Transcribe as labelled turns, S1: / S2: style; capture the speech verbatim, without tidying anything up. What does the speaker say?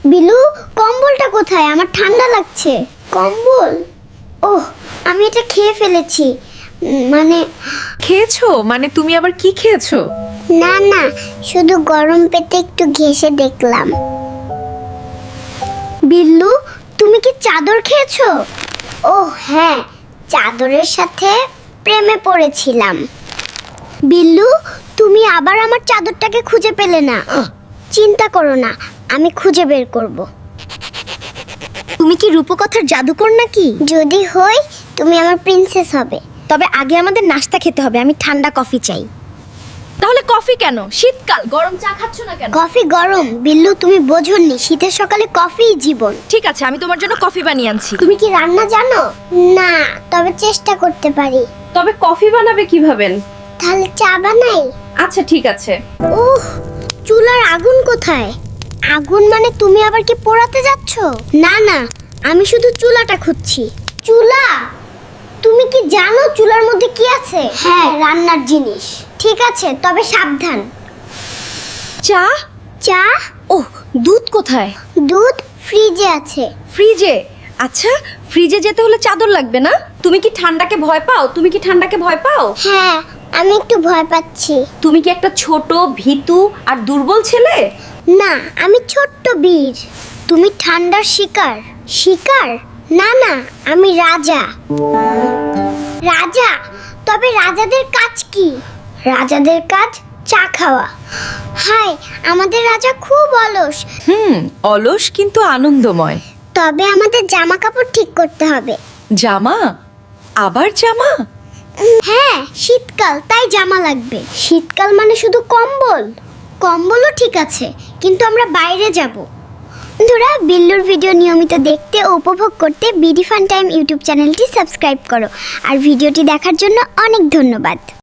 S1: বিলু, কম্বলটা কোথায়? আমার ঠান্ডা লাগছে। কম্বল? ওহ, আমি এটা খেয়ে ফেলেছি। উম, মানে
S2: খেয়েছো? মানে তুমি আবার কি খেয়েছো?
S1: না না, শুধু গরম পেটে একটু ঘেঁষে দেখলাম। বিল্লু, তুমি কি চাদর খেয়েছো? ও হ্যাঁ, চাদরের সাথে প্রেমে পড়েছিলাম। বিল্লু, তুমি আবার আমার চাদরটাকে খুঁজে পেলে না। চিন্তা করো না, আমি খুঁজে বের করব। তুমি কি রূপকথার জাদুকর নাকি? যদি হই, তুমি আমার প্রিন্সেস হবে। তবে আগে আমাদের নাস্তা খেতে হবে। আমি ঠান্ডা কফি চাই।
S3: তাহলে কফি কেন? শীতকাল, গরম চা খাচ্ছ না কেন?
S1: কফি গরম। বিল্লু, তুমি বোঝোনি, শীতের সকালে কফিই জীবন।
S3: ঠিক আছে, আমি তোমার জন্য কফি বানিয়ে আনছি।
S1: তুমি কি রান্না জানো? না, তবে চেষ্টা করতে পারি।
S2: তবে কফি বানাবে কিভাবে?
S1: তাহলে চা বানাই।
S2: আচ্ছা ঠিক আছে।
S1: উহ, চুলার আগুন কোথায়? আগুন মানে তুমি আবার কি পোড়াতে যাচ্ছ? না না, আমি শুধু চুলাটা খুঁজছি। চুলা? তুমি কি জানো চুলার মধ্যে কি আছে? হ্যাঁ, রান্নার জিনিস। ঠিক আছে, তবে সাবধান।
S3: চা?
S1: চা?
S3: ওহ, দুধ কোথায়?
S1: দুধ ফ্রিজে আছে।
S3: ফ্রিজে? আচ্ছা, ফ্রিজে যেতে হলে চাদর লাগবে না? তুমি কি ঠান্ডাকে ভয় পাও? তুমি কি ঠান্ডাকে ভয় পাও?
S1: হ্যাঁ, আমি একটু ভয় পাচ্ছি।
S3: তুমি কি একটা ছোট, ভীতু আর দুর্বল ছেলে?
S1: না, আমি ছোট্ট বীর। তুমি ঠান্ডার শিকার। শিকার? না না, আমি রাজা। রাজা? তবে রাজাদের কাজ কি? রাজাদের কাজ চা খাওয়া। হাই, আমাদের রাজা খুব অলস।
S2: হুম, অলস কিন্তু আনন্দময়।
S1: তবে আমাদের জামা কাপড় ঠিক করতে হবে।
S2: জামা? আবার জামা?
S1: উম, হ্যাঁ, শীতকাল, তাই জামা লাগবে। শীতকাল মানে শুধু কম্বল? কম্বলও ঠিক আছে, কিন্তু আমরা বাইরে যাব। বন্ধুরা, বিল্লুর ভিডিও নিয়মিত দেখতে ও উপভোগ করতে বিডি ফান টাইম ইউটিউব চ্যানেলটি সাবস্ক্রাইব করো। আর ভিডিওটি দেখার জন্য অনেক ধন্যবাদ।